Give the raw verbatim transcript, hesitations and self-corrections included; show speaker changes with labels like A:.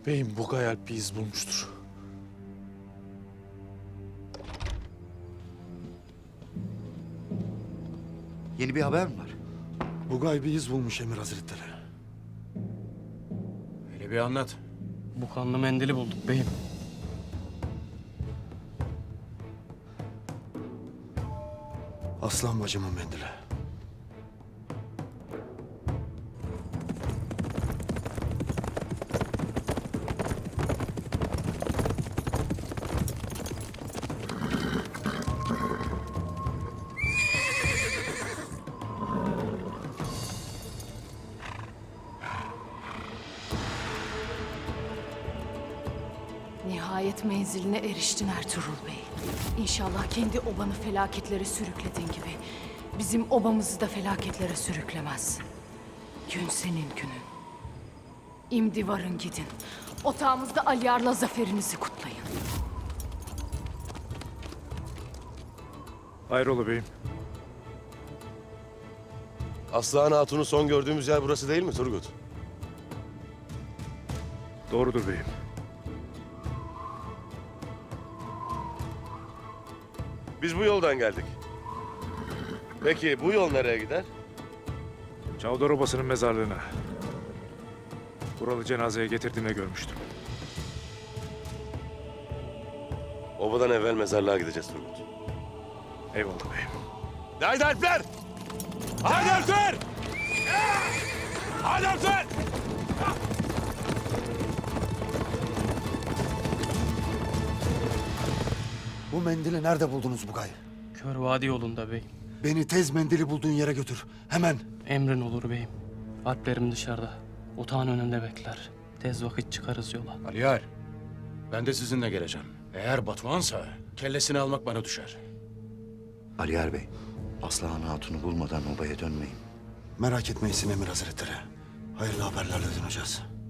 A: Beyim Bugay Alp bir iz bulmuştur.
B: Yeni bir haber mi var?
C: Bugay bir iz bulmuş Emir Hazretleri.
D: Hele bir anlat.
E: Bu kanlı mendili bulduk beyim.
C: Aslan bacımın mendili.
F: Nihayet menziline eriştin Ertuğrul Bey. İnşallah kendi obanı felaketlere sürüklediğin gibi bizim obamızı da felaketlere sürüklemezsin. Gün senin günün. İmdi varın gidin. Otağımızda Aliyar'la zaferinizi kutlayın.
D: Hayrola beyim?
G: Aslıhan Hatun'u son gördüğümüz yer burası değil mi Turgut?
D: Doğrudur beyim.
G: Biz bu yoldan geldik. Peki bu yol nereye gider?
D: Çavdar Obası'nın mezarlığına. Buralı cenazeye getirdiğinde görmüştüm.
G: Obadan evvel mezarlığa gideceğiz Turgut.
D: Eyvallah beyim.
G: Haydi Alpler! Haydi Alpler! Haydi Alpler!
C: Bu mendili nerede buldunuz Bugay?
E: Kör Vadi yolunda beyim.
C: Beni tez mendili bulduğun yere götür. Hemen.
E: Emrin olur beyim. Alplerim dışarıda. Otağın önünde bekler. Tez vakit çıkarız yola.
D: Aliyar, ben de sizinle geleceğim. Eğer Batuhan'sa kellesini almak bana düşer.
B: Aliyar Bey, Aslıhan Hatun'u bulmadan obaya dönmeyin.
C: Merak etmeyin Emir Hazretleri. Hayırlı haberlerle döneceğiz.